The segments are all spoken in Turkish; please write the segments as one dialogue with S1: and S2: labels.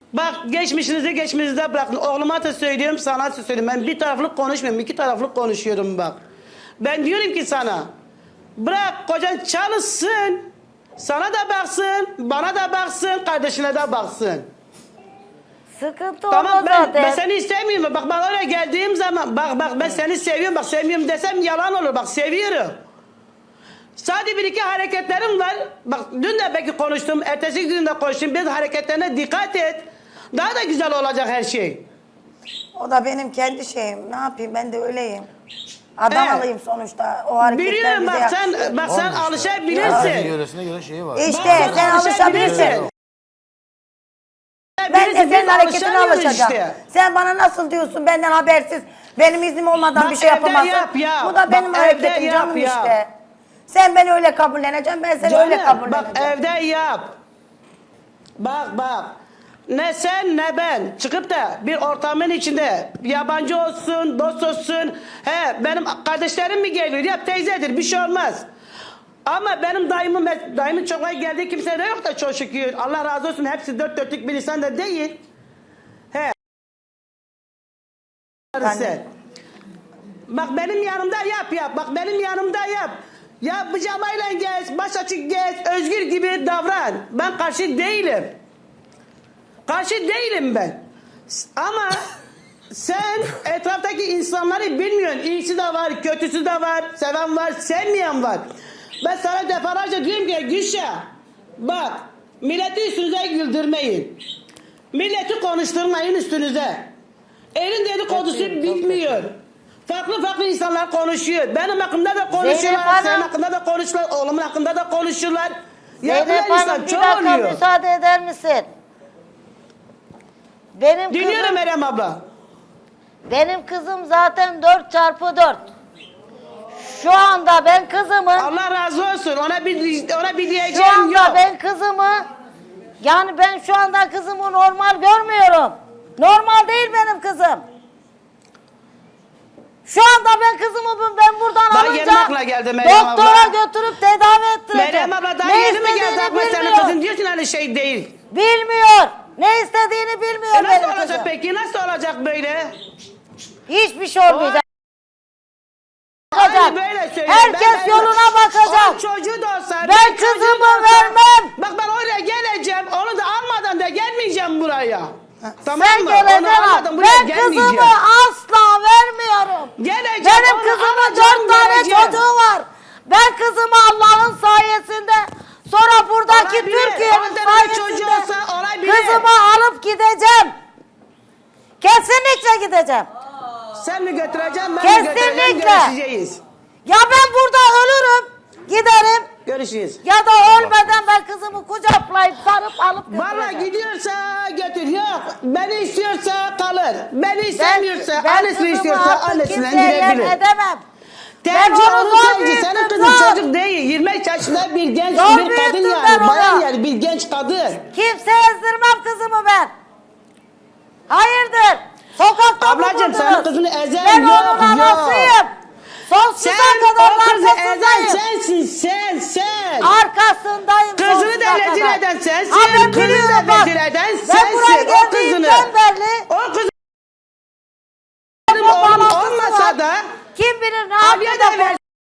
S1: Bak geçmişinizde bırakın. Oğluma da söylüyorum, sana da söylüyorum. Ben bir taraflı konuşmuyorum, iki taraflı konuşuyorum bak. Ben diyorum ki sana, bırak kocan çalışsın, sana da baksın, bana da baksın, kardeşine de baksın.
S2: Sıkıntı
S1: Tamam
S2: olmaz
S1: ben
S2: zaten.
S1: seni istemiyorum. Bak ben oraya geldiğim zaman bak ben seni seviyorum. Bak sevmiyorum desem yalan olur. Bak seviyorum. Sadece bir iki hareketlerim var. Bak dün de belki konuştum. Ertesi gün de konuştum. Biraz hareketlerine dikkat et. Daha da güzel olacak her şey.
S3: O da benim kendi şeyim. Ne yapayım, ben de öyleyim. Adam
S1: Evet.
S3: alayım sonuçta. O hareketler
S1: Biliyorum
S3: bize
S1: bak
S3: yakışıyor.
S1: sen
S4: Olmuş ya.
S1: alışabilirsin.
S4: Herkesin yöresine göre şeyi var.
S3: İşte
S1: Bak,
S3: sen alışabilirsin. Ben de senin hareketine alışacağım.
S1: Işte.
S3: Sen bana nasıl diyorsun benden habersiz, benim iznim olmadan
S1: Bak,
S3: bir şey
S1: evde
S3: yapamazsın.
S1: yap ya.
S3: Bu da
S1: Bak,
S3: benim
S1: evde
S3: hareketim
S1: yap
S3: canım
S1: ya.
S3: işte. Sen beni öyle kabulleneceksin, ben seni öyle
S1: Canım,
S3: kabulleneceğim.
S1: bak evde yap. Bak. Ne sen ne ben çıkıp da bir ortamın içinde yabancı olsun, dost olsun. He benim kardeşlerim mi geliyor? Yap teyzedir bir şey olmaz. Ama benim dayımın çokluğa geldiği kimse de yok da çok şükür. Allah razı olsun hepsi dört dörtlük bir insan da değil. He. Sen. Bak benim yanımda yap. Bak benim yanımda yap. Ya pijamayla gez, baş açık gez, özgür gibi davran. Ben karşı değilim. Karşı değilim ben. Ama sen etraftaki insanları bilmiyorsun. İyisi de var, kötüsü de var, seven var, sevmeyen var. Ben sana defalarca diyorum ki Gülşah, bak milleti üstünüze güldürmeyin. Milleti konuşturmayın üstünüze. Elin dedikodusu bitmiyor. Farklı insanlar konuşuyor. Benim hakkımda da konuşuyorlar, senin hakkında da konuşuyorlar, oğlumun hakkında da konuşuyorlar.
S2: Zeynep Hanım bir dakika müsaade eder misin?
S1: Dinliyorum Meryem abla.
S2: Benim kızım zaten 4x4. Şu anda ben kızımı
S1: Allah razı olsun. Ona bir
S2: şu
S1: diyeceğim
S2: anda
S1: yok.
S2: ben kızımı yani ben şu anda kızımı normal görmüyorum. Normal değil benim kızım. Şu anda ben kızımı ben buradan
S1: Daha yeni akla
S2: alınca
S1: geldi Meryem abla.
S2: doktora götürüp tedavi ettireceğim.
S1: Meryem abla daha
S2: Ne
S1: yeni mi geldi
S2: istediğini
S1: akla senin
S2: bilmiyor.
S1: kızın diyorsun hani şey değil.
S2: Bilmiyor. Ne istediğini bilmiyor
S1: Nasıl
S2: benim
S1: olacak
S2: kızım.
S1: peki? Nasıl olacak böyle?
S2: Hiçbir şey olmayacak.
S1: Aynı böyle söylüyor.
S2: Herkes yoluna bakacak.
S1: O çocuğu da olsa.
S2: Ben
S1: çocuğu
S2: kızımı
S1: da olsa-
S2: vermem.
S1: Bak ben oraya geleceğim. Onu da almadan da gelmeyeceğim buraya. Tamam
S2: Sen
S1: mı?
S2: geleceksin.
S1: Onu almadan buraya
S2: Ben
S1: gelmeyeceğim.
S2: kızımı asla vermiyorum.
S1: Geleceğim,
S2: Benim
S1: onu
S2: kızımın
S1: alacağım,
S2: 4 tane
S1: geleceğim.
S2: çocuğu var. Ben kızımı Allah'ın sayesinde sonra buradaki
S1: Olabilir.
S2: Türkiye'nin
S1: 10 tane çocuğu
S2: sayesinde
S1: olsa olabilir.
S2: kızımı alıp gideceğim. Kesinlikle gideceğim.
S1: Sen mi götüreceksin? Ben mi
S2: Kesinlikle.
S1: götüreceğim? Görüşeceğiz.
S2: Ya ben burada ölürüm. Giderim.
S1: Görüşeceğiz.
S2: Ya da ölmeden ben kızımı kucaklayıp sarıp alıp götüreceğim.
S1: Valla gidiyorsa götür. Yok. Beni istiyorsa kalır. Beni istemiyorsa, annesini
S2: kızımı
S1: istiyorsa
S2: artık
S1: annesinden
S2: kimseye yem
S1: gidebilir.
S2: edemem.
S1: Tercih
S2: Ben onu
S1: onun
S2: zor
S1: tercihi. Senin
S2: büyüttüm,
S1: kızın
S2: zor.
S1: çocuk değil. 20 yaşında bir genç
S2: Zor
S1: bir kadın
S2: büyüttüm ben
S1: yani.
S2: onu.
S1: Bayan yani bir genç kadın.
S2: Kimse ezdirmem kızımı ben. Hayırdır? Sokakta mı
S1: Ablacığım
S2: buldunuz?
S1: senin kızını ezen
S2: Ben
S1: yok
S2: onun
S1: yok.
S2: anasıyım. Sonsuza
S1: Sen
S2: kadar
S1: o kızı ezen
S2: arkasındayım.
S1: sensin sen.
S2: Arkasındayım
S1: Kızını
S2: sonsuza
S1: da rezil
S2: kadar.
S1: eden sensin.
S2: Ha, ben
S1: Kızını
S2: biliyorum
S1: da
S2: bak.
S1: rezil eden
S2: Ben buraya
S1: sensin. O kızını.
S2: geldiğimden beri
S1: O kızı
S2: telefon
S1: oğlum
S2: bağlantısı
S1: olmasa
S2: var.
S1: da
S2: Kim bilir ne
S1: abiye
S2: yapıyor
S1: de
S2: da
S1: ver.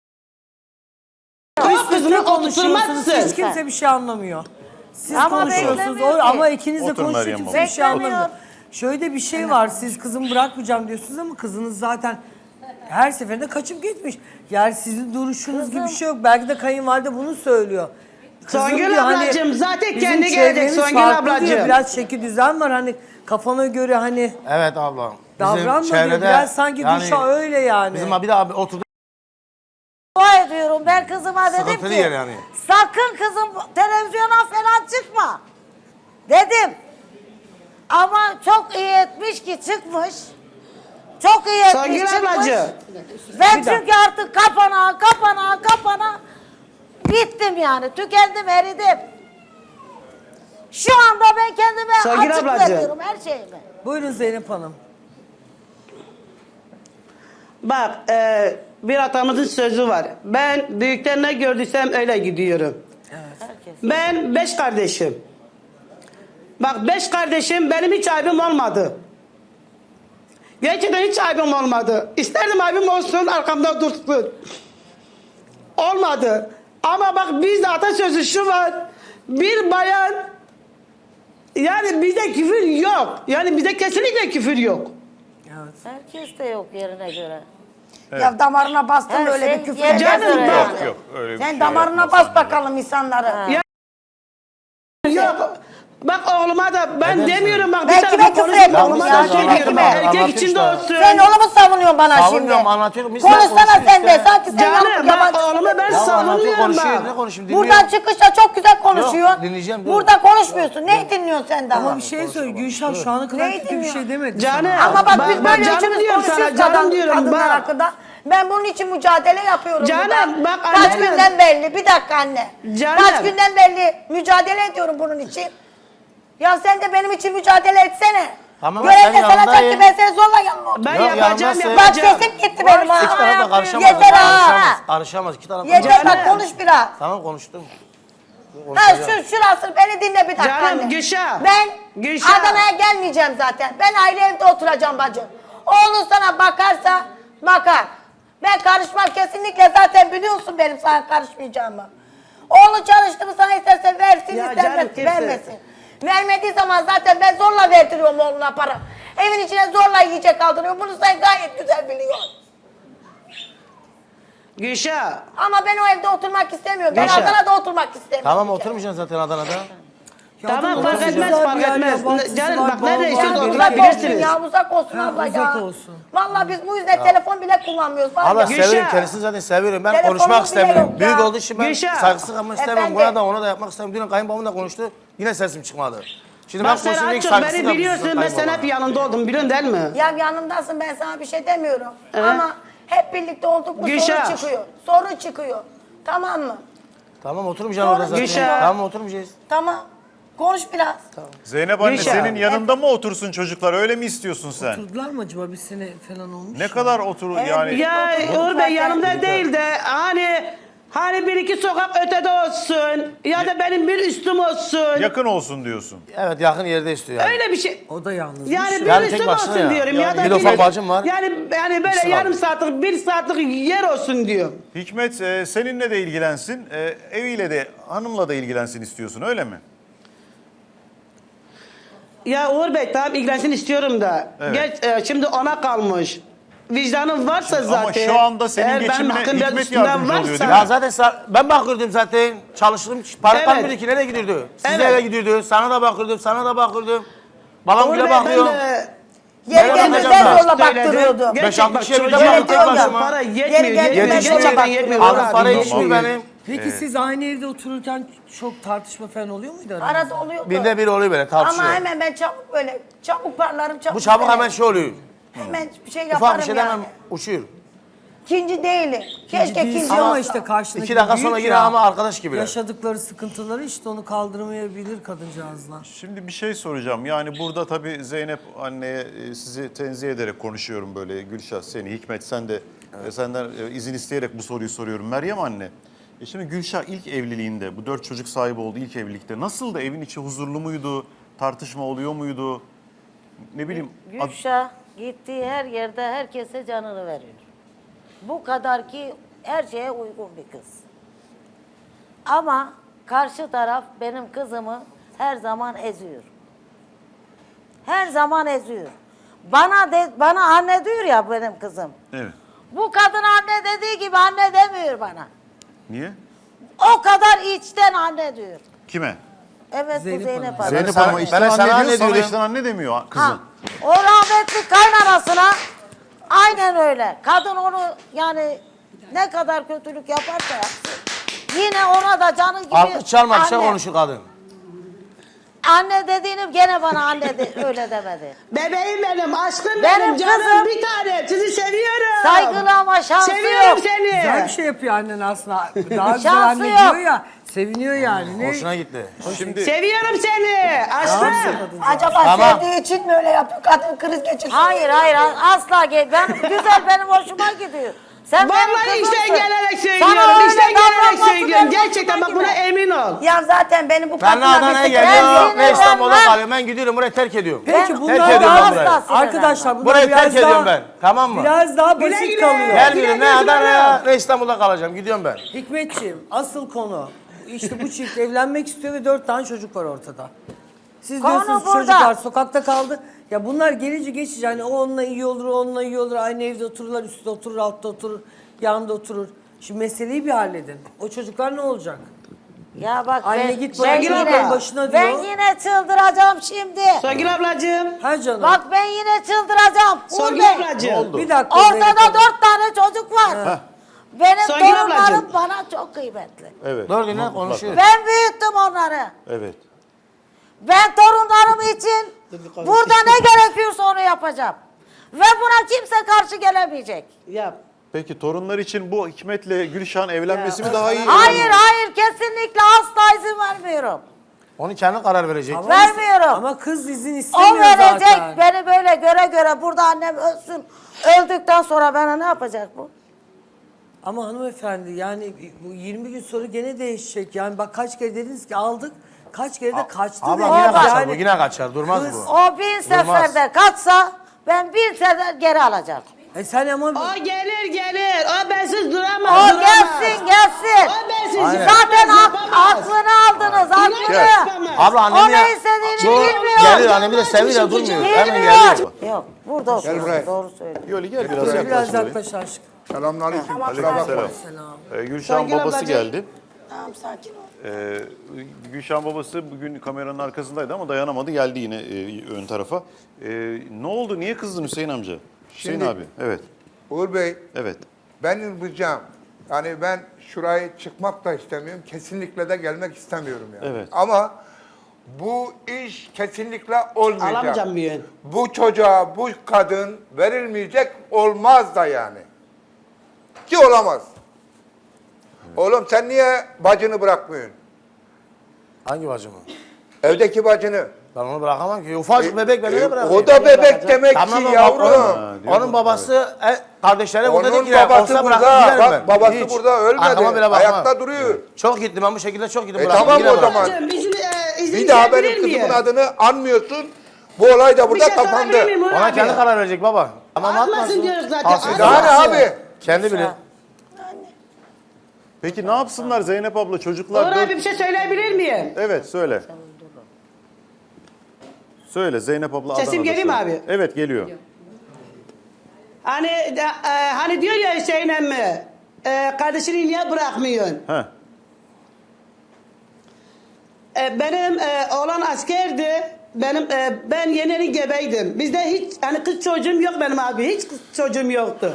S1: O
S5: Üst üste
S1: kızını
S5: konuşuyorsunuz.
S1: oturtmazsın.
S5: Hiç kimse bir şey anlamıyor. Siz
S2: Ama
S5: konuşuyorsunuz
S2: beklemiyor ki.
S5: ama ikiniz de
S4: Otur
S5: konuşuyor,
S4: Meryem
S5: kimse
S4: abla.
S5: bir şey
S2: Beklemiyor.
S5: anlamıyor. Şöyle bir şey var, siz kızımı bırakmayacağım diyorsunuz ama kızınız zaten her seferinde kaçıp gitmiş. Yani sizin duruşunuz gibi bir şey yok. Belki de kayınvalide bunu söylüyor. Kızım
S1: Songül
S5: diyor, hani
S1: ablacığım, zaten
S5: bizim
S1: kendi gelecek
S5: çevremiz
S1: Songül
S5: farklı diyor,
S1: ablacığım.
S5: biraz şekil düzen var hani kafana göre hani
S4: Evet abla.
S5: davranma diyor. Biraz sanki Gülşah öyle yani.
S4: Bizim abi de abi oturdu.
S2: Dua ediyorum. Ben kızıma dedim
S4: Sıkıntılı
S2: ki
S4: yer yani.
S2: sakın kızım televizyona falan çıkma. Dedim. Ama çok iyi etmiş ki çıkmış. Çok iyi etmiş
S1: Songül
S2: çıkmış.
S1: ablacığım.
S2: Ben çünkü artık kapana bittim yani. Tükendim, eridim. Şu anda ben kendime
S1: Songül
S2: açık
S1: ablacığım.
S2: veriyorum her şeyimi.
S5: Buyurun Zeynep Hanım.
S1: Bak bir atamızın sözü var. Ben büyükten ne gördüysem öyle gidiyorum.
S2: Herkes.
S1: Ben 5 kardeşim. Bak 5 kardeşim, benim hiç aybim olmadı. Gerçekten hiç aybim olmadı. İsterdim aybim olsun, arkamda dursun. Olmadı. Ama bak bizde atasözü şu var. Bir bayan, yani bizde küfür yok. Yani bizde kesinlikle küfür yok.
S5: Evet.
S2: Herkes de yok yerine göre.
S3: Ya damarına bastın
S2: Her
S3: öyle
S2: şey
S3: bir küfür
S2: yerine
S3: edersin.
S1: Canım
S2: göre
S1: bak.
S2: yani.
S6: Yok öyle bir
S3: Sen
S6: şey
S3: damarına
S6: yapmaz
S3: bas bakalım insanları.
S1: Ya- Yok. Bak oğluma da ben demiyorum bak.
S3: Ben
S1: bir
S3: kime
S1: tarafa
S3: küfür
S1: konuşma,
S3: ettim
S1: oğluma
S3: ya?
S1: da
S3: Ben
S1: söylüyorum.
S3: kime?
S1: Erkek
S4: Anlatayım
S1: içinde
S4: işte.
S1: olsun.
S3: Sen onu mu savunuyorsun bana şimdi?
S4: Savunuyorum, anlatıyorum. Biz de
S3: Konuşsana
S4: konuşuyoruz
S3: sen de.
S4: işte.
S3: Sanki sen
S1: Canım
S3: yabancı
S1: bak
S3: yabancı.
S1: oğlumu ben
S4: Ya anlatıyor,
S1: savunuyorum
S4: konuşuyor. Ne
S1: bak.
S4: konuşayım? Dinliyorum.
S3: Buradan çıkışta çok güzel konuşuyorsun.
S4: Yok, dinleyeceğim, dur.
S3: Burada konuşmuyorsun. Neyi dinliyorsun sen daha?
S5: Ama bir şey söyle Gülşah şu ana kadar
S3: Neyi
S5: kötü bir
S3: dinliyor?
S5: şey demedi
S1: Canım.
S5: sana.
S3: Ama bak
S1: Bak,
S3: biz
S1: bak,
S3: böyle
S1: canım
S3: üçümüz
S1: diyorum sana,
S3: konuşuyoruz
S1: canım diyorum,
S3: kadınlar
S1: bak.
S3: hakkında. Ben bunun için mücadele yapıyorum
S1: Canım,
S3: burada.
S1: bak
S3: Kaç
S1: anne.
S3: günden belli. Bir dakika anne.
S1: Canım.
S3: Kaç günden belli mücadele ediyorum bunun için. Ya sen de benim için mücadele etsene.
S4: Tamam,
S3: Görev
S4: ben
S3: de sanacak ki
S4: yanındayım.
S3: ben seni zorla yanıma
S1: Ben
S4: Yok,
S1: yapacağım
S4: yanımdasın.
S3: Bak
S1: yapacağım.
S3: sesim gitti benim ha.
S4: İki taraf da karışamaz.
S3: Yeter ha.
S4: Karışamaz. Karışamaz. İki taraf da
S3: Yeter
S4: karışamaz.
S3: bak konuş biraz.
S4: Tamam konuştum.
S3: Ha şurası beni dinle bir dakika
S1: Canım,
S3: anne.
S1: Gülşah.
S3: Ben
S1: Gülşah.
S3: Adana'ya gelmeyeceğim zaten. Ben ayrı evde oturacağım bacım. Oğlun sana bakarsa bakar. Ben karışmam kesinlikle, zaten biliyorsun benim sana karışmayacağımı. Oğlu çalıştı mı sana isterse versin,
S1: Ya
S3: isterse
S1: canım, kimse-
S3: vermesin. Vermediği zaman zaten ben zorla verdiriyorum oğluna para. Evin içine zorla yiyecek aldırıyorum. Bunu sen gayet güzel biliyorsun.
S1: Gülşah.
S3: Ama ben o evde oturmak istemiyorum. Ben
S1: Gülşah.
S3: Adana'da oturmak istemiyorum.
S4: Tamam oturmayacaksın zaten Adana'da.
S1: Tamam
S5: da
S1: fark
S5: nasıl
S1: etmez
S5: güzel
S1: fark
S5: bir yer,
S1: etmez.
S5: yabancısı
S1: Canım
S5: var,
S1: bak nerede
S5: bağlı
S1: istiyorsanız
S5: var,
S3: Uzak olsun
S1: oturabilirsiniz.
S3: ya, uzak olsun
S5: Ha,
S3: abla
S5: uzak
S3: ya.
S5: olsun.
S3: Vallahi biz bu yüzden telefon bile kullanmıyoruz. Var
S4: Allah
S3: ya.
S1: Gülşah.
S4: seviyorum kendisini zaten seviyorum. Ben
S3: Telefonum
S4: konuşmak
S3: bile
S4: istemiyorum.
S3: yok
S4: Büyük
S3: ya.
S4: olduğu için ben
S1: Gülşah.
S4: saygısız kalmak istemiyorum.
S3: Efendim?
S4: Buna da ona da yapmak istemiyorum. Dün kayınbabam da konuştu. Yine sesim çıkmadı. Şimdi
S1: Bak
S4: ben
S1: sen
S4: konuşunca ilk
S1: Açıl
S4: saygısız
S1: beni
S4: kalmışsın
S1: biliyorsun ben sen hep
S4: kayınbabama.
S1: yanında oldum biliyorsun değil mi?
S3: Ya yanımdasın, ben sana bir şey demiyorum. Ama hep birlikte olduk mu
S1: Gülşah.
S3: sorun çıkıyor. Sorun çıkıyor. Tamam mı?
S4: Tamam oturmayacaksın orada zaten.
S1: Gülşah.
S4: Tamam oturmayacağız.
S3: Tamam. Konuş biraz.
S6: Zeynep anne
S1: Gülşah.
S6: senin yanında mı otursun çocuklar, öyle mi istiyorsun sen?
S5: Oturdular mı acaba bir sene falan olmuş?
S6: Ne kadar otur yani?
S1: Ya
S3: Oturduk
S1: Uğur Bey
S3: zaten.
S1: yanımda değil de hani bir iki sokak ötede olsun ya da benim bir üstüm olsun.
S6: Yakın olsun diyorsun.
S4: Evet yakın yerde istiyor yani.
S1: Öyle bir şey.
S5: O da yalnız.
S1: Yani bir
S4: Yani tek
S1: üstüm
S4: başına
S1: olsun
S4: ya.
S1: diyorum ya da
S4: Bir de ufak bacım var.
S1: Yani böyle
S4: İkisi var.
S1: yarım saatlik bir saatlik yer olsun diyor.
S6: Hikmet seninle de ilgilensin, eviyle de hanımla da ilgilensin istiyorsun, öyle mi?
S1: Ya Uğur Bey tamam ilgilensin istiyorum da.
S6: Evet.
S1: Şimdi ona kalmış. Vicdanın varsa zaten.
S6: Ama şu anda senin
S1: eğer benim
S6: geçimine
S1: hakkım biraz
S6: Hikmet
S1: üstümden
S6: yardımcı oluyor,
S1: varsa-
S6: değil mi?
S4: Ya zaten ben bakıyordum zaten. Çalıştım. Para
S1: Evet.
S4: kalmıyordu ki. Nereye gidiyordu? Size
S1: Evet.
S4: eve gidiyordu. Sana da bakıyordum. Sana da bakıyordum. Babam
S1: Uğur
S4: bile
S1: Bey,
S4: bakıyor.
S1: ben de-
S3: Yeri
S4: Ben
S3: gelmez
S4: bakacağım
S3: ben
S4: ben.
S3: zorla
S1: Söyledim.
S3: baktırıyordu.
S1: Gerçek
S4: 5-6
S1: bak,
S4: kişiye bir de
S1: çocuğa
S3: bakıyorum
S1: bakıyorum
S3: ya.
S1: para
S3: Geri
S1: yetmiyor.
S3: geldi,
S1: Yetmiyor.
S3: ben zorla
S1: Gerçekten
S3: bakıyorum.
S1: yetmiyor.
S4: Alın
S1: Uğur
S4: parayı
S1: abi.
S4: yetmiyor benim.
S5: Peki siz aynı evde otururken çok tartışma falan oluyor muydu aranızda?
S3: Arada oluyordu.
S4: Binde bir oluyor böyle tartışıyor.
S3: Ama hemen ben çabuk böyle, çabuk parlarım, çabuk.
S4: Bu çabuk
S3: böyle.
S4: hemen şey oluyor.
S3: Hemen bir şey
S4: Ufak
S3: yaparım
S4: bir şeyden
S3: yani.
S4: hemen uçuyor.
S3: İkinci değilim. Keşke
S5: Değilsin
S3: ikinci
S5: ama
S3: olsa.
S5: işte karşındaki
S4: 2 dakika
S5: büyük
S4: sonra yine
S5: ya.
S4: ama arkadaş gibiler.
S5: Yaşadıkları sıkıntıları işte onu kaldırmayabilir kadıncağızlar.
S6: Şimdi bir şey soracağım. Yani burada tabii Zeynep anneye sizi tenzih ederek konuşuyorum böyle. Gülşah seni, Hikmet sen de senden izin isteyerek bu soruyu soruyorum. Meryem anne. Şimdi Gülşah ilk evliliğinde, bu 4 çocuk sahibi oldu ilk evlilikte. Nasıl da evin içi huzurlu muydu? Tartışma oluyor muydu? Ne bileyim.
S2: Gülşah gittiği her yerde herkese canını veriyor. Bu kadar ki her şeye uygun bir kız. Ama karşı taraf benim kızımı her zaman eziyor. Her zaman eziyor. Bana anne diyor ya benim kızım.
S6: Evet.
S2: Bu kadın anne dediği gibi anne demiyor bana.
S6: Niye?
S2: O kadar içten anne diyor.
S6: Kime?
S2: Evet
S5: Zeynep
S2: bu Zeynep
S5: Hanım.
S2: Hanım.
S6: Zeynep
S4: sana-
S6: Hanım'a
S4: ben
S6: içten
S4: de sana
S6: anne
S4: anne
S6: diyor, sana
S4: diyorum.
S6: içten anne demiyor
S2: Ha,
S6: kızım.
S2: o rahmetli kaynanasına aynen öyle. Kadın onu yani ne kadar kötülük yaparsa yapsın. Yine ona da canı gibi
S4: Alkış çalmak
S2: anne.
S4: konuşuyor kadın.
S2: Anne dediğini gene bana anne öyle demedi.
S1: Bebeğim benim, aşkım
S2: Benim
S1: benim, canım
S2: kızım.
S1: bir tane. Sizi seviyorum.
S2: Saygılı ama şansı
S1: Seviyorum
S2: yok.
S1: seni.
S5: Güzel bir şey yapıyor annen aslında. Daha güzel
S2: Şansı
S5: anne
S2: yok.
S5: diyor ya. Seviniyor yani. Ne?
S4: Hoşuna gitti.
S6: Şimdi
S1: Seviyorum seni. Aşkım.
S3: Acaba
S4: Tamam.
S3: sevdiği için mi öyle yapıyor? Kadın kriz geçirsin.
S2: Hayır asla ben güzel benim hoşuma gidiyor. Sen benim
S1: Vallahi
S2: kızımsın.
S1: işten gelerek
S2: Sana
S1: söylüyorum.
S2: öyle
S1: İşten gelerek
S2: davranması
S1: söylüyorum.
S2: benim
S1: Gerçekten bak
S2: hoşuma
S1: buna
S2: gitmez.
S1: emin ol.
S3: Ya zaten benim bu
S4: Ben
S3: kadınla
S4: Adana'ya
S3: bir
S4: geliyorum
S2: Ben
S4: ve İstanbul'da
S2: sinirlenmem.
S4: kalıyorum. Ben gidiyorum burayı terk ediyorum.
S5: Peki
S2: Ben-
S5: bunlar
S4: Terk ediyorum
S5: daha
S4: ben burayı.
S5: arkadaşlar bunlar
S4: Burayı
S5: biraz
S4: terk
S5: daha,
S4: ediyorum ben. Tamam mı?
S5: Biraz daha
S1: Güle
S5: basit
S1: güle.
S5: kalıyor.
S4: Gelmiyorum ne
S1: Güle güle
S4: Adana'ya ne İstanbul'da kalacağım. Gidiyorum ben.
S5: Hikmetciğim asıl konu işte bu çift evlenmek istiyor ve 4 tane çocuk var ortada. Siz
S2: Konu
S5: diyorsunuz
S2: burada.
S5: çocuklar sokakta kaldı. Ya bunlar gelince geçici hani o onunla iyi olur, o onunla iyi olur. Aynı evde otururlar, üstte oturur, altta oturur, yanında oturur. Şimdi meseleyi bir halledin. O çocuklar ne olacak?
S2: Ya bak
S5: Anne
S2: ben,
S5: git
S2: ben
S5: bırak
S1: Sevgili
S5: çocukların
S1: abla,
S5: başına
S2: ben
S5: diyor.
S2: yine çıldıracağım şimdi.
S1: Songül ablacığım.
S5: Ha canım.
S2: Bak ben yine çıldıracağım. Uğur
S1: Songül
S2: Bey.
S1: ablacığım.
S5: Bir dakika. Zeynep
S2: Ortada
S5: Hanım.
S2: 4 tane çocuk var. Benim
S1: Songül
S2: torunlarım
S1: ablacığım.
S2: bana çok kıymetli.
S6: Evet.
S4: Doğru dinle
S6: mutlaka.
S4: konuşuyor.
S2: Ben büyüttüm onları.
S6: Evet.
S2: Ben torunlarım için burada ne gerekiyorsa onu yapacağım. Ve buna kimse karşı gelemeyecek.
S1: Yap.
S6: Peki torunlar için bu Hikmet'le Gülşah'ın evlenmesi mi daha iyi?
S2: Hayır hayır kesinlikle asla izin vermiyorum.
S4: Onu kendi karar verecek.
S2: Vermiyorum.
S5: Ama kız izin
S2: O
S5: istemiyor
S2: verecek
S5: zaten.
S2: beni böyle göre burada annem ölsün. Öldükten sonra bana ne yapacak bu?
S5: Ama hanımefendi yani bu 20 gün sonra gene değişecek. Yani bak kaç kere dediniz ki aldık, kaç kere de kaçtı
S4: Abla
S5: dediniz.
S4: yine kaçar
S5: Yani
S4: bu yine kaçar. Durmaz
S5: Kız-
S4: bu.
S2: O 1000 seferde kaçsa ben 1000 sefer geri alacağım.
S5: sen ama
S1: O gelir. O bensiz duramaz.
S2: O
S1: duramaz.
S2: gelsin.
S1: O bensiz
S4: Aynen.
S2: Zaten
S1: yapamaz.
S2: aklını aldınız aklını.
S1: Yapamaz.
S4: Abla annem
S2: O ne istediğini bilmiyor.
S4: Gelir annemi de seviyor durmuyor. Hemen
S2: Bilmiyor.
S4: geliyor.
S2: Yok burada oturuyor.
S7: buraya.
S2: Doğru söylüyor.
S6: Yoli gel biraz
S5: biraz
S6: yaklaş. Yoli.
S5: yaklaş aşkım.
S7: Selamünaleyküm.
S6: Aleykümselam. Gülşah'ın
S1: Songül
S6: babası
S1: ablacığım.
S6: geldi.
S3: Tamam sakin ol.
S6: Gülşah'ın babası bugün kameranın arkasındaydı ama dayanamadı geldi yine ön tarafa. Ne oldu? Niye kızdın Hüseyin amca? Hüseyin
S7: Şimdi-
S6: abi. Evet.
S7: Uğur Bey,
S6: Evet.
S7: benim ricam, yani ben şurayı çıkmak da istemiyorum, kesinlikle de gelmek istemiyorum yani.
S6: Evet.
S7: Ama bu iş kesinlikle olmayacak.
S1: Alamayacağım bir yön.
S7: Bu çocuğa, bu kadın verilmeyecek, olmaz da yani. Ki olamaz. Oğlum sen niye bacını bırakmıyorsun?
S4: Hangi bacımı?
S7: Evdeki bacını.
S4: Ben onu bırakamam ki. Ufacık bebek ben ne bırakayım?
S7: O da bebek demek
S4: Tamam
S7: ki
S4: ama
S7: yavrum.
S4: Onun babası kardeşleri burada
S7: Onun
S4: değil ki. ya.
S7: babası
S4: Olsa
S7: burada.
S4: bırakıp giderim
S7: Bak
S4: ben.
S7: babası
S4: Hiç.
S7: burada ölmedi.
S4: Arkama bile bakmam.
S7: Ayakta duruyor.
S4: Çok gittim ben bu şekilde çok gittim.
S7: Tamam
S4: bıraktım, yine
S7: o zaman.
S4: bıraktım.
S1: Ablacığım, izin
S7: Bir daha
S1: isteyebilir
S7: benim kızımın
S1: miyim?
S7: adını anmıyorsun. Bu olay da burada
S1: Bir şey
S7: kapandı.
S1: sorabilir miyim Uğur
S4: Ona
S1: abi?
S4: kendi karar verecek baba. Tamam
S1: Atmasın
S4: atmasın.
S1: diyoruz zaten,
S4: Alsın.
S1: atmasın.
S7: Daha ne abi?
S4: Kendi bilir.
S6: Peki ne yapsınlar Zeynep abla?
S1: Uğur
S6: Çocuklar
S1: abi bir şey söyleyebilir miyim?
S6: Evet söyle. Söyle Zeynep abla.
S1: Sesim
S6: Adana'da
S1: geliyor mu
S6: söyle.
S1: abi?
S6: Evet geliyor.
S1: Hani diyor ya Hüseyin emmi, kardeşini niye bırakmıyorsun?
S6: Heh.
S1: Benim oğlan askerdi. Ben yeni gebeydim. Bizde hiç hani kız çocuğum yok benim abi. Hiç kız çocuğum yoktu.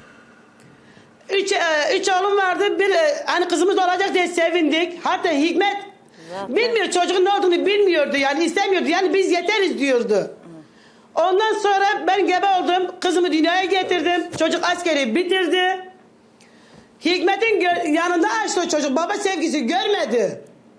S1: Üç oğlum vardı. Bir hani kızımız olacak diye sevindik. Hatta Hikmet bilmiyor çocuğun ne olduğunu bilmiyordu. Yani istemiyordu. Yani biz yeteriz diyordu. Ondan sonra ben gebe oldum. Kızımı dünyaya getirdim. Çocuk askeri bitirdi. Hikmet'in yanında açtı o çocuk. Baba sevgisi görmedi.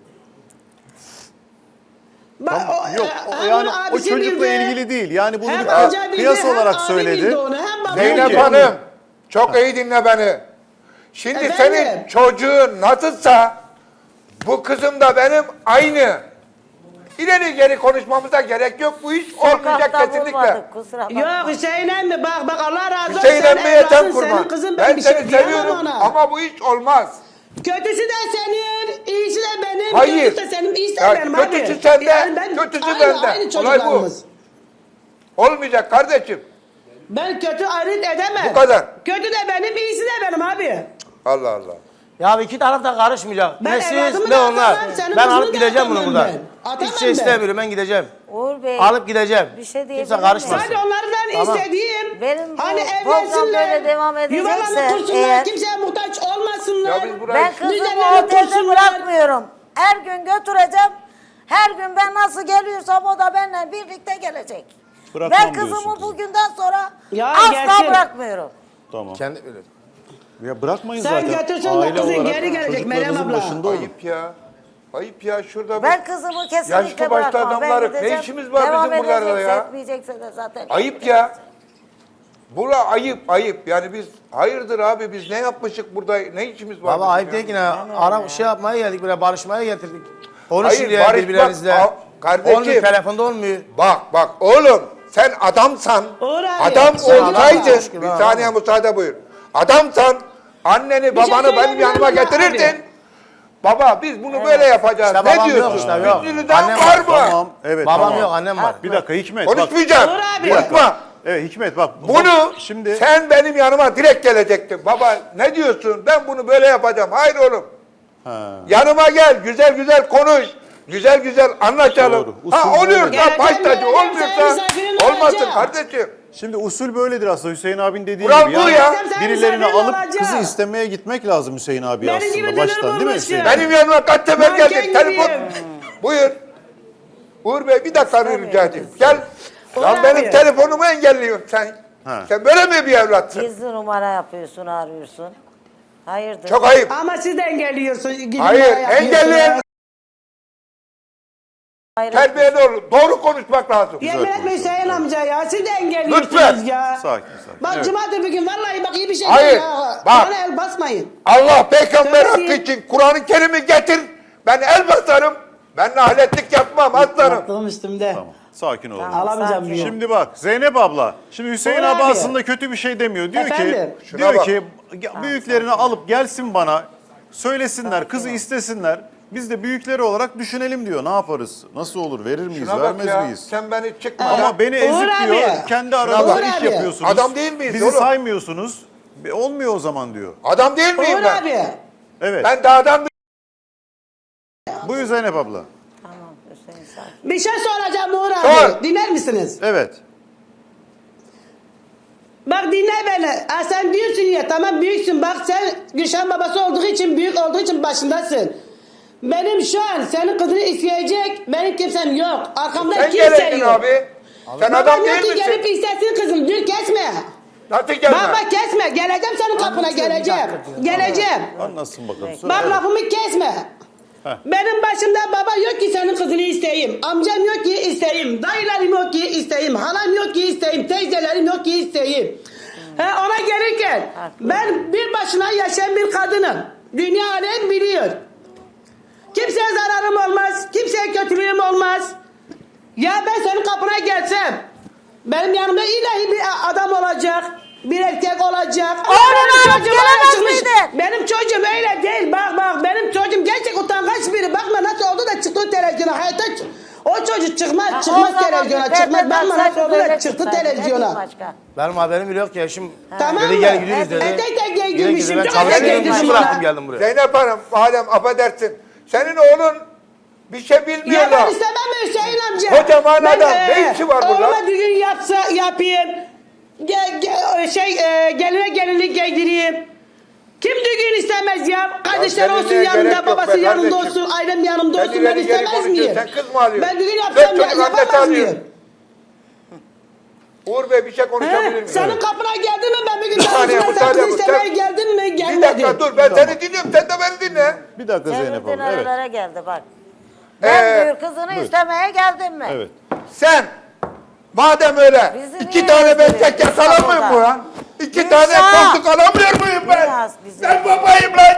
S6: Yok yani o çocukla ilgili değil. Yani bunu
S1: Hem
S6: bir
S1: amca bildi,
S6: kıyas
S1: hem
S6: olarak
S1: abi
S6: söyledi.
S1: bildi onu, hem baba
S7: Zeynep
S1: bildi.
S7: Hanım, çok iyi dinle beni. Şimdi
S1: Efendim?
S7: senin çocuğun nasılsa bu kızım da benim aynı. İleri geri konuşmamıza gerek yok. Bu iş olmayacak
S2: Sokakta
S7: kesinlikle.
S2: vurmadık, kusura bakma.
S1: Yok Hüseyin emmi bak Allah razı olsun.
S7: Hüseyin
S1: sen
S7: emmiye sen
S1: evladsın,
S7: kurban.
S1: senin kızın
S7: Ben
S1: bir şey
S7: seni
S1: diyemem
S7: seviyorum
S1: ona.
S7: ama bu iş olmaz.
S1: Kötüsü de senin, iyisi de benim.
S7: Hayır.
S1: Kötüsü de senin, iyisi de
S7: Ya
S1: benim
S7: kötüsü
S1: abi.
S7: sende,
S1: ben-
S7: kötüsü
S1: aynı,
S7: bende.
S1: Aynı
S7: Olay bu.
S1: çocuklarımız.
S7: Olmayacak kardeşim.
S1: Ben kötü ayrıt edemem.
S7: Bu kadar.
S1: Kötü de benim, iyisi de benim abi.
S7: Allah Allah.
S4: Ya iki taraf da karışmayacak.
S1: Ben
S4: Ne siz
S1: evladımı
S4: ne
S1: da
S4: onlar.
S1: atamam, senin
S4: Ben
S1: kızını
S4: alıp
S1: da
S4: gideceğim bunu
S1: atamam
S4: buradan.
S1: ben. Atamam
S4: Hiçbir şey
S1: ben.
S4: istemiyorum ben gideceğim.
S2: Uğur Bey.
S4: Alıp gideceğim.
S2: Bir şey diyebilir
S4: Kimse
S2: miyim?
S4: karışmasın.
S1: Sadece onlardan
S4: Tamam.
S1: istediğim
S2: Benim bu
S1: hani
S2: program
S1: evlensinler,
S2: böyle devam edecekse
S1: yuvalarını kursunlar,
S2: eğer-
S1: kimseye muhtaç olmasınlar.
S7: Ya biz burayı...
S2: Ben kızımı
S1: Düzenlerini
S2: otelde
S1: kursunlar.
S2: bırakmıyorum. Her gün götüreceğim. Her gün ben nasıl geliyorsam o da benimle birlikte gelecek.
S6: Bırakmam
S2: Ben
S6: diyorsun
S2: kızımı
S6: kızım.
S2: bugünden sonra
S1: Ya
S2: asla
S1: gelsin.
S2: bırakmıyorum.
S6: Tamam.
S4: Kendi bilir.
S6: Ya bırakmayın
S1: Sen
S6: zaten.
S1: götürsen de kızın geri gelecek Meryem
S6: çocuklarınızın
S1: abla.
S6: başında olun.
S7: Ayıp ya. Ayıp ya şurada
S2: Ben kızımı kesinlikle
S7: yaşlı başlı
S2: bırakmam. Ben
S7: adamlar, ne
S2: gideceğim.
S7: işimiz var
S2: Devam
S7: bizim buralarda
S2: edecekse,
S7: ya?
S2: etmeyecekse de zaten.
S7: Ayıp ya. Bura ayıp ayıp. Yani biz hayırdır abi biz ne yapmışık burada ne işimiz var?
S4: Baba
S7: bizim
S4: ayıp
S7: ya?
S4: değil ki ne? Ara şey yapmaya geldik buraya barışmaya getirdik. Konuşun
S7: Hayır,
S4: diye
S7: barışmak-
S4: birbirlerinizle.
S7: Kardeşim.
S4: Olmuyor telefonda olmuyor.
S7: Bak oğlum sen adamsan
S1: Uğur abi,
S7: adam
S1: sen
S7: olsaydın
S4: Allah'a şükür,
S7: bir
S4: ha,
S7: saniye müsaade buyur. Adamsan anneni babanı benim
S1: söyleyeyim
S7: yanıma
S1: mi
S7: getirirdin.
S1: abi?
S7: Baba biz bunu böyle yapacağız.
S4: İşte
S7: ne
S4: babam
S7: diyorsun?
S4: yok işte, yok.
S7: Üstünüzden
S4: Annem
S7: var
S4: var,
S7: mı?
S6: Tamam. Evet
S4: Babam
S6: tamam.
S4: yok annem var.
S6: Bir dakika Hikmet bak.
S7: Konuşmayacağım.
S1: Uğur abi.
S7: Konuşma.
S6: Evet Hikmet bak.
S7: Bunu
S6: şimdi
S7: sen benim yanıma direkt gelecektin. Baba ne diyorsun? Ben bunu böyle yapacağım. Hayır oğlum. Yanıma gel. Güzel güzel konuş. Güzel güzel anlaşalım.
S6: Doğru. Usul
S7: Ha oluyorsa
S1: böyle.
S7: baş tacı,
S1: Geleceğim,
S7: olmuyorsa
S1: senin misafirin
S7: olmasın
S1: olacağım.
S7: kardeşim.
S6: Şimdi usul böyledir aslında Hüseyin abin dediği
S7: Kural
S6: gibi.
S7: bu
S6: Yani
S7: ya.
S1: Sen
S6: birilerini
S1: misafirin
S6: alıp
S1: olacak.
S6: kızı istemeye gitmek lazım Hüseyin abi
S1: Benim
S6: aslında
S1: gibi
S6: baştan
S1: dönür
S6: değil mi
S1: bulmuş
S6: Hüseyin?
S1: ya.
S7: Benim yanıma kaç sefer
S1: Manken
S7: geldin. Telefon.
S1: gibiyim.
S7: Buyur. Uğur Bey bir dakika rica edeyim. Gel.
S1: Uğur
S7: Lan benim
S1: abi.
S7: telefonumu engelliyorsun sen.
S6: Ha.
S7: Sen böyle mi bir evlatsın?
S2: Gizli numara yapıyorsun, arıyorsun. Hayırdır?
S7: Çok ayıp.
S1: Ama siz de engelliyorsunuz. gidin
S7: Hayır
S1: bana yapıyorsunuz.
S7: engelleyen
S2: Hayret.
S7: terbiyeli olur. Doğru konuşmak lazım.
S1: Yemin etme Hüseyin amca ya. Siz de engelliyorsunuz
S7: Lütfen.
S1: ya.
S6: Sakin sakin.
S1: Bak
S6: Evet.
S1: cumadır bir gün vallahi bak iyi bir şey
S7: Hayır,
S1: değil ya.
S7: bak.
S1: Bana el basmayın.
S7: Allah peygamber
S1: Söyle
S7: hakkı
S1: diyeyim.
S7: için Kur'an-ı Kerim'i getir. Ben el basarım. Ben nahletlik yapmam aslanım.
S1: Aklım üstümde.
S6: Tamam. Sakin olun.
S1: Alamayacağım
S2: Sakin.
S1: bir gün.
S6: Şimdi bak Zeynep abla. Şimdi Hüseyin
S1: Uğur
S6: abi
S1: abi.
S6: aslında kötü bir şey demiyor. Diyor
S1: Efendim?
S6: ki
S7: Şuna
S6: diyor
S7: bak.
S6: ki büyüklerini alıp gelsin bana söylesinler, kızı istesinler. Biz de büyükleri olarak düşünelim diyor. Ne yaparız? Nasıl olur? Verir miyiz?
S7: Şuna bak
S6: Vermez
S7: ya.
S6: miyiz?
S7: Sen beni çıkma.
S6: Ama
S7: ya.
S6: beni
S1: Uğur
S6: ezik
S1: abi.
S6: diyor. Kendi aranızda
S1: Uğur
S6: iş
S1: abi.
S6: yapıyorsunuz.
S7: Adam değil miyiz
S6: Bizi
S7: oğlum?
S6: saymıyorsunuz. Olmuyor o zaman diyor.
S7: Adam değil miyim
S1: Uğur
S7: ben?
S1: abi.
S6: Evet.
S7: Ben dağdan
S6: Buyur Zeynep abla.
S2: Tamam Hüseyin sakin.
S1: Bir şey soracağım Uğur abi.
S7: Sor.
S1: Dinler misiniz?
S6: Evet.
S1: Bak dinle beni. Ha, sen diyorsun ya tamam büyüksün. Bak sen Gülşen babası olduğu için büyük olduğu için başındasın. Benim şu an senin kızını isteyecek benim kimsem yok. Arkamda
S7: sen
S1: kimse
S7: gerektin
S1: yok.
S7: abi. Sen
S1: Babam
S7: adam
S1: yok
S7: değil
S1: ki
S7: misin?
S1: gelip istesin kızım. Dur kesme.
S7: Nasıl gelme?
S1: Bak kesme. Geleceğim senin kapına geleceğim. Geleceğim.
S6: Anlatsın bakalım. Söyle.
S1: Bak lafımı kesme. Benim başımda baba yok ki senin kızını isteyeyim. Amcam yok ki isteyeyim. Dayılarım yok ki isteyeyim. Halam yok ki isteyeyim. Teyzelerim yok ki isteyeyim. Ona gelirken ben bir başına yaşayan bir kadınım. Dünya alem biliyor. Kimseye zararım olmaz. Kimseye kötülüğüm olmaz. Ya ben senin kapına gelsem benim yanımda ilahi bir adam olacak. Bir erkek olacak. Ama
S2: Oğlum
S1: benim
S2: alıp
S1: çocuğum
S2: gelemez
S1: çıkmış.
S2: miydin?
S1: Benim çocuğum öyle değil. Bak benim çocuğum gerçek utangaç biri. Bakma nasıl oldu da çıktı televizyona. Hayatta o çocuk çıkmaz
S2: O zaman
S1: televizyona.
S2: bir
S1: Çıkmaz.
S2: perde
S1: Bakma nasıl
S2: taksaydın
S1: oldu da
S2: böyle
S1: çıktı
S2: çıksaydın. Ne diyeyim
S1: televizyona.
S2: başka?
S4: Benim haberim bile yok ki eşim.
S1: Tamam
S4: dedi
S1: mı?
S4: gel gidiyoruz dedi.
S1: Tek tek
S4: Gidelim
S1: girmişim.
S4: dedi. Ben
S1: Çok
S4: çalışıyorum
S1: tek
S4: işi
S1: girmişim
S4: bıraktım
S1: ya.
S4: geldim buraya.
S7: Zeynep Hanım madem affedersin. Senin oğlun bir şey bilmiyor
S1: Ya
S7: da.
S1: ben istemem Hüseyin amca.
S7: Kocaman
S1: Ben,
S7: adam, ne işi var burada?
S1: Oğluma düğün yapayım. Geline gelinlik giydireyim. Kim düğün istemez ya? Kardeşler
S7: Ya
S1: olsun
S7: gelinliğe gerek
S1: yanımda,
S7: yok
S1: babası
S7: be
S1: yanımda
S7: kardeşim.
S1: olsun, ailem yanımda
S7: Sen
S1: olsun. Ben
S7: ileri geri
S1: istemez miyim?
S7: konuşuyorsun. Sen kız mı alıyorsun?
S1: Ben düğün
S7: Dört
S1: yapsam
S7: çocuk annesi
S1: yapamaz
S7: alıyor.
S1: mıyım?
S7: Uğur Bey bir şey konuşabilir
S1: He?
S7: miyim?
S1: Senin kapına geldim mi? Ben bir gün
S7: Bir saniye,
S1: sen
S7: müsaade
S1: kızı
S7: bu,
S1: istemeye
S7: sen-
S1: geldim mi?
S7: Bir
S1: Gelmedin.
S7: dakika dur ben seni dinliyorum sen de beni dinle.
S6: Bir dakika Zeynep
S2: Çevirdin
S6: abla. Evet.
S2: aralara geldi bak. Ben diyor kızını
S6: Buyur.
S2: istemeye geldim mi?
S6: Evet.
S7: Sen madem öyle
S2: Bizi
S7: iki
S2: niye
S7: tane ben
S2: üzdürüyorsun?
S7: tek alamıyor
S2: Burada.
S7: mu lan? İki
S2: Gülşah.
S7: tane koltuk alamıyor muyum ben?
S2: Biraz bizi-
S7: Ben babayım lan.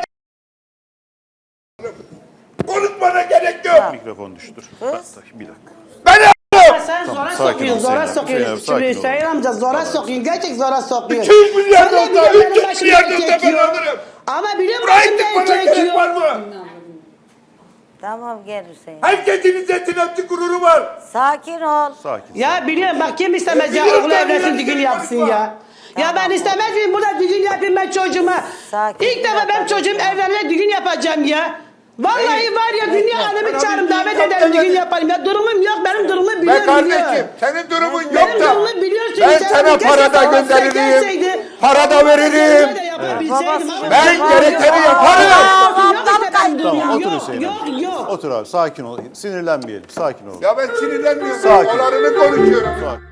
S7: Konuşmana gerek yok.
S6: Mikrofon düştür.
S2: Kız.
S6: Bir dakika.
S7: Ben yaptım.
S1: Sen zora
S6: sakin ol
S1: sokuyorsun, zora
S6: Hüseyin abi,
S1: sokuyorsun.
S6: sakin ol.
S1: Hüseyin amca zora sokuyorsun, gerçek zora sokuyorsun.
S7: 200 milyar
S1: Sen de
S7: olsa,
S1: biliyorum
S7: 300
S1: benim
S7: milyar
S1: başımda
S7: olsa
S1: erkek
S7: ben
S1: yok.
S7: alırım.
S1: Ama biliyorum
S7: Buraya
S1: başımda
S7: tıkmana
S1: erkek
S7: gerek var
S1: yok.
S7: mı?
S2: Tamam gel Hüseyin.
S7: Herkesin izzetin hepsi gururu var.
S2: Sakin ol.
S6: Sakin.
S1: Ya biliyorum bak kim istemez ya
S7: Biliyorum
S1: oğlu
S7: ben,
S1: evlensin
S7: biliyorum,
S1: düğün yapsın
S7: konuşma.
S1: ya. Ya ben istemez miyim burada düğün yapayım ben çocuğuma.
S2: Sakin,
S1: İlk
S2: bir
S1: defa
S2: dakika,
S1: benim çocuğum
S2: bekle.
S1: evlenene düğün yapacağım ya. Vallahi var ya dünya alemi
S7: Bana
S1: çağırın
S7: bir düğün
S1: davet
S7: yap
S1: ederim düğün
S7: demedin.
S1: yaparım ya. Durumum yok benim durumumu
S7: Be
S1: biliyorum
S7: kardeşim
S1: biliyorum.
S7: senin durumun yok
S1: Benim
S7: da
S1: durumumu biliyorsun.
S7: ben
S1: Sen
S7: sana
S1: keşke
S7: para da
S1: babası
S7: gönderirim,
S1: gelseydi,
S7: para da
S1: babası
S7: veririm.
S1: da yapabilseydim
S2: Babası
S1: ama-
S7: Ben
S2: Yok,
S7: gerekeni
S2: yok.
S7: yaparım.
S1: Yok işte ben
S6: Tamam
S1: duruyorum.
S6: otur
S1: Yok
S6: Hüseyin
S1: yok
S6: abi.
S1: yok.
S6: Otur abi sakin ol. Sinirlenmeyelim. Sakin ol.
S7: Ya ben sinirlenmiyorum.
S6: Sakin.
S7: Olarını konuşuyorum.
S6: Sakin.